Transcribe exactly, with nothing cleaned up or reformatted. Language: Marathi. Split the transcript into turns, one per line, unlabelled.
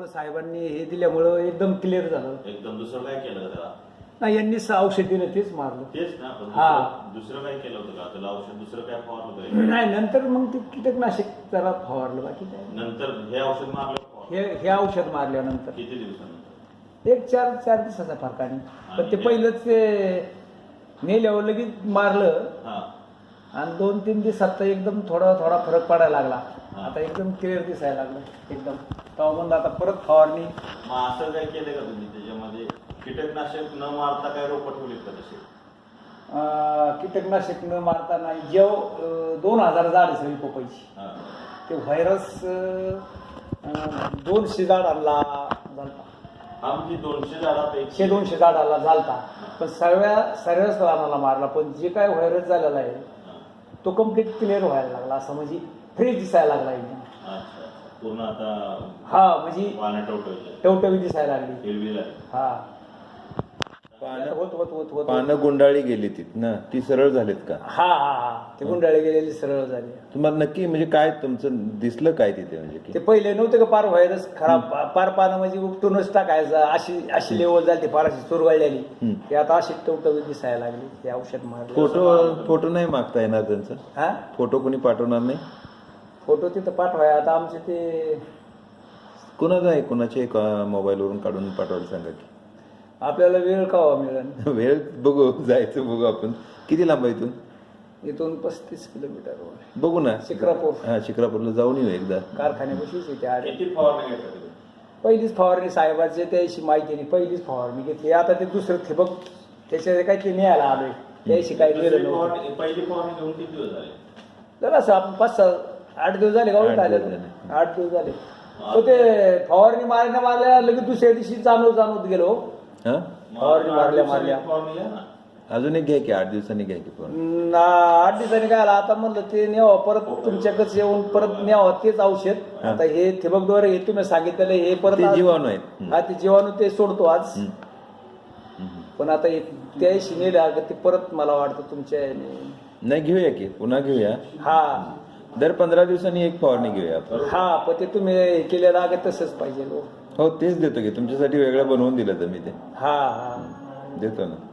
साहेबांनी हे दिल्यामुळं एकदम क्लिअर झालं.
एकदम दुसरं काय केलं का त्याला?
नाही, यांनी औषध दिलं तेच मारलं.
तेच ना, पण
हा.
दुसरं दुसरं काय केलं होतं का त्याला? औषध दुसरं काय फवारलं होतं?
नाही, नंतर मग ते कीटकनाशक जरा फवारलं, बाकी काय.
नंतर हे औषध मारलं फवारलं?
हे हे औषध मारल्यानंतर
किती दिवसानंतर?
एक चार चार दिवसाचा फरकाने. पण ते पहिलंच ते नेल्यावर लगेच मारलं
हा.
आणि दोन तीन दिवसात तर एकदम थोडा थोडा फरक पडायला लागला.
हा.
आता एकदम क्लिअर दिसायला लागलं एकदम. तेव्हा म्हणलं आता परत फवारणी.
मग असं काय केलं का तुम्ही त्याच्यामध्ये? कीटकनाशक न मारता काय रोपं ठेवलीत का तसे?
अं, कीटकनाशक न मारता नाही. जेव अं, दोन हजार झाड सगळी पपईची.
हा.
ते व्हायरस अं, दोनशे झाडांना झालता.
हा, म्हणजे दोनशे झाडापैकी
एकशे दोनशे झाडाला झालता. पण सर्व्या सर्वच रानाला मारला. पण जे काय व्हायरस झालेला आहे तो कम्प्लीट क्लिअर व्हायला लागला. असं म्हणजे फ्रेश दिसायला लागला एकदम.
अच्छा, पूर्ण आता
हा, म्हणजे
पानं टवटवली,
टवटवी दिसायला लागली.
हिरवी झाली.
हा,
पानं
होत होत होत होत
पानं गुंडाळी गेली ती ना, ती सरळ झालीत का?
हा हा हा ते गुंडाळी गेलेली सरळ झाली.
तुम्हाला नक्की म्हणजे काय तुमचं दिसलं काय तिथे म्हणजे की
ते पहिले नव्हते का पार व्हायरस खराब, पार पानं म्हणजे उपटूनच टाकायचं अशी अशी लेवल झाली. पार अशी चुरगळलेली.
हम्म.
ते आता अशी टवटवी दिसायला लागली. ते औषध मारलं.
फोटो फोटो नाही मागता येणार त्यांचा?
हा,
फोटो कोणी पाठवणार नाही?
फोटो तिथं पाठवाय. आता आमचे ते
कुणाचा आहे, कुणाच्या एक मोबाईलवरून काढून पाठवायला सांगा की.
आपल्याला वेळ कावा मिळेल.
वेळ बघू, जायचं बघू आपण. किती लांब आहे इथून?
इथून पस्तीस किलोमीटर
बघू ना.
शिक्रापूर.
हा, शिक्रापूरला जाऊन येऊ एकदा.
कारखान्यापाशीच येते आडे.
किती फवारणी घेतला तुम्ही?
पहिलीच फवारणी साहेबांची त्याशी माहिती नाही. पहिलीच फवारणी घेतली. आता ते दुसरं ठिबक त्याच्या काही ते न्यायला आलोय. त्याशी काही
दुसरी
गेलं नव्हतं.
फवारणी- पहिली फवारणी घेऊन किती दिवस झाले?
जरा असं आपण पाच सहा आठ दिवस झाले का
आठ
आले
दिवस झाले.
आठ दिवस झाले. तो ते फवारणी मारण्या मारल्या लगेच दुसऱ्या दिवशी जाणवत जाणवत गेलो.
हा,
फवारणी मारल्या मारल्या
फवारणी घ्या ना.
अजून एक घ्या की, आठ दिवसांनी घ्या की पण.
न, आठ दिवसांनी काय आला. आता म्हणलं ते न्यावं परत तुमच्याकडेच येऊन परत न्यावं तेच औषध. आता हे ठिबकद्वारे हे तुम्ही सांगितलेलं हे परत
ते
आज-
जीवाणू आहेत. हम्म.
हा, ते जीवाणू ते सोडतो आज.
हम्म. हम्म.
पण आता एक त्याशी नेलं का ते परत मला वाटतं तुमच्या याने-
नाही, घेऊया की, पुन्हा घेऊया.
हा
दर पंधरा दिवसांनी एक फवारणी घेऊया आपण.
हा पण ते तुम्ही हे केलेलं आहे तसंच पाहिजे.
हो, तेच देतो की, तुमच्यासाठी वेगळं बनवून दिलं तर मी ते
हा हा
देतो ना.